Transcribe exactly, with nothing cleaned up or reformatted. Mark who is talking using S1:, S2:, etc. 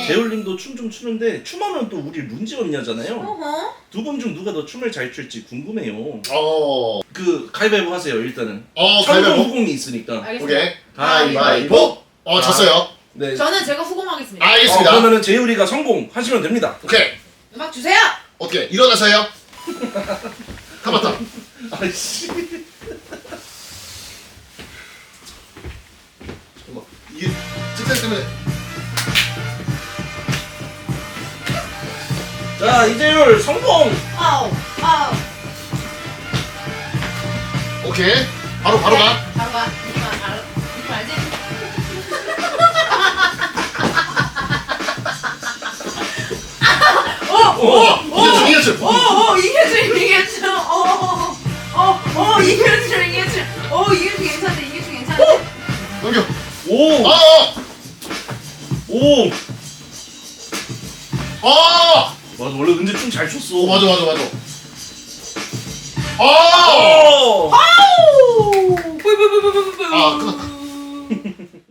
S1: 네.
S2: 재울님도 춤 좀 추는데 춤하면 또 우리 룬지 언니잖아요.
S1: 어허.
S2: 두 분 중 누가 더 춤을 잘 출지 궁금해요.
S3: 어.
S2: 그 가위바위보 하세요 일단은.
S3: 어,
S2: 성공
S3: 가위바위보.
S2: 후공이 있으니까.
S1: 알겠습니다.
S3: 오케이.
S2: 가위바위보.
S3: 어, 졌어요.
S2: 네.
S1: 저는 제가 후공하겠습니다.
S2: 어,
S3: 알겠습니다.
S2: 그러면은 재울이가 성공하시면 됩니다.
S3: 오케이.
S1: 음악 주세요.
S3: 어떻게 일어나세요? 타마타.
S2: 아이씨.
S3: 잠깐만. 이게 직장 때문에.
S2: 자 이재율 성공.
S1: 아우 아우.
S3: 오케이. 바로 바로 가.
S1: 바로 가. 이거 알 이거 알지?
S3: 오, 이겼죠, 이겼죠.
S1: 오오 이겨줘 이겨줘. 오오오 이겨줘 이겨줘. 오 이겨줘 괜찮대 이겨줘 괜찮대.
S3: 넘겨.
S2: 오.
S3: 아, 아,
S2: 오.
S3: 아.
S2: 맞아 원래 은재 춤 잘 췄어.
S3: 오, 맞아, 맞아, 맞아. 아.
S2: 오.
S1: 아우. 뿌뿌뿌뿌뿌뿌.
S3: 아, 끝났다.